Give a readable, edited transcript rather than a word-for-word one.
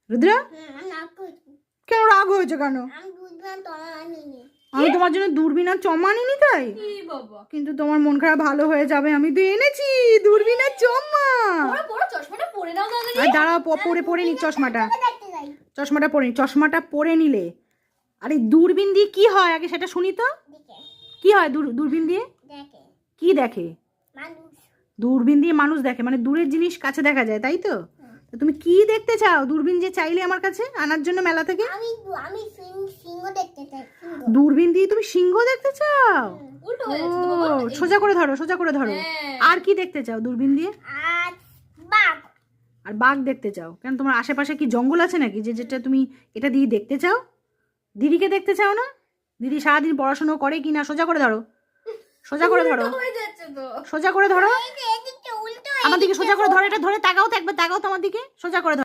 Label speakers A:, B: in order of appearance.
A: রুদ্রা কেন রাগ হয়েছে কেন? আমি তোমার জন্য দূরবীন আর চমা আনিনি তাই? কিন্তু তোমার মন খারাপ ভালো হয়ে যাবে, আমি তো এনেছি দূরবীন আর চমা। আর দাঁড়াও, পরে নি চশমাটা, চশমাটা পরে নি, চশমাটা পরে নিলে। আরে দূরবীন দিয়ে কি হয় আগে সেটা শুনি তো। কি হয় দূরবীন দিয়ে? কি দেখে? দূরবীন দিয়ে মানুষ দেখে, মানে দূরের জিনিস কাছে দেখা যায়, তাই তো? তুমি কি দেখতে চাও দূরবীন যে চাইলে আমার কাছে আনার জন্য মেলা থেকে?
B: আমি সিংহ দেখতে চাই।
A: দূরবীন দিয়ে তুমি সিংহ দেখতে চাও? সোজা করে ধরো, সোজা করে ধরো। আর কি দেখতে চাও দূরবীন দিয়ে?
B: আর বাঘ।
A: আর বাঘ দেখতে চাও কেন? তোমার আশেপাশে কি জঙ্গল আছে নাকি যে যেটা তুমি এটা দিয়ে দেখতে চাও? দিদিকে দেখতে চাও না? দিদি সারাদিন পড়াশোনা করে কি না? সোজা করে ধরো, সোজা করে ধরো, সোজা করে ধরো। আমার দিকে সোজা করে ধরো, এটা ধরে তাকাও তো একবার, তাকাও তো আমার দিকে, সোজা করে ধরো।